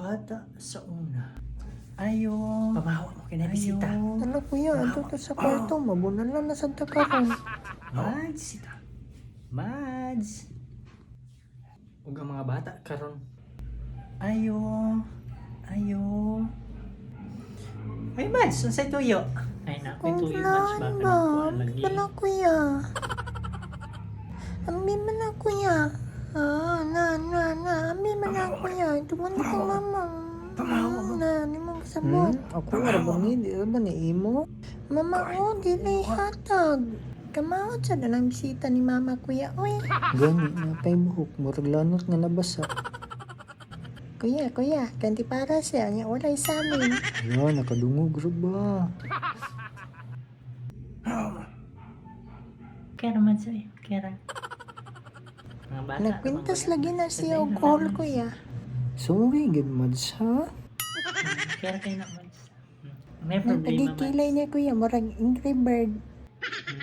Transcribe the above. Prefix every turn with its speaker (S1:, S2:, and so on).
S1: bata sa una. Ayo. Pamahawa mo kinabisita.
S2: Ano kuya, ato to sa kwarto, mabunan lang na sa takaron.
S1: Mads, sita. Mads. Ug ang mga bata karon. Ayo. Ayo. Ay, Mads, unsay tuyo? Ay, nakoy tuyo, Mads. Baka
S2: ba?
S1: nakuha lagi.
S2: Bala kuya. Ambi man na kuya. Ambi man na kuya. Tuman ko mama.
S1: Pamahawa mo.
S2: Ni mo kasabot. Ako nga ba ni, di ba ni imo? Mama, di lay hatag. Kamawat sa dalang bisita ni mama kuya. Uy. Gani, napay buhok. Murag lanot nga nabasa. Kuya, kanti para siya. Nga walay sa amin. Ayan, nakadungog rin ba?
S1: Kaya naman sa'yo. Kaya mga bata.
S2: Nagkwintas lagi na siya og call kuya. Sorry, good mads ha?
S1: Kaya kayo na, Mads. May problema, Mads.
S2: Nagpagkikilay niya kuya, murag Angry Bird.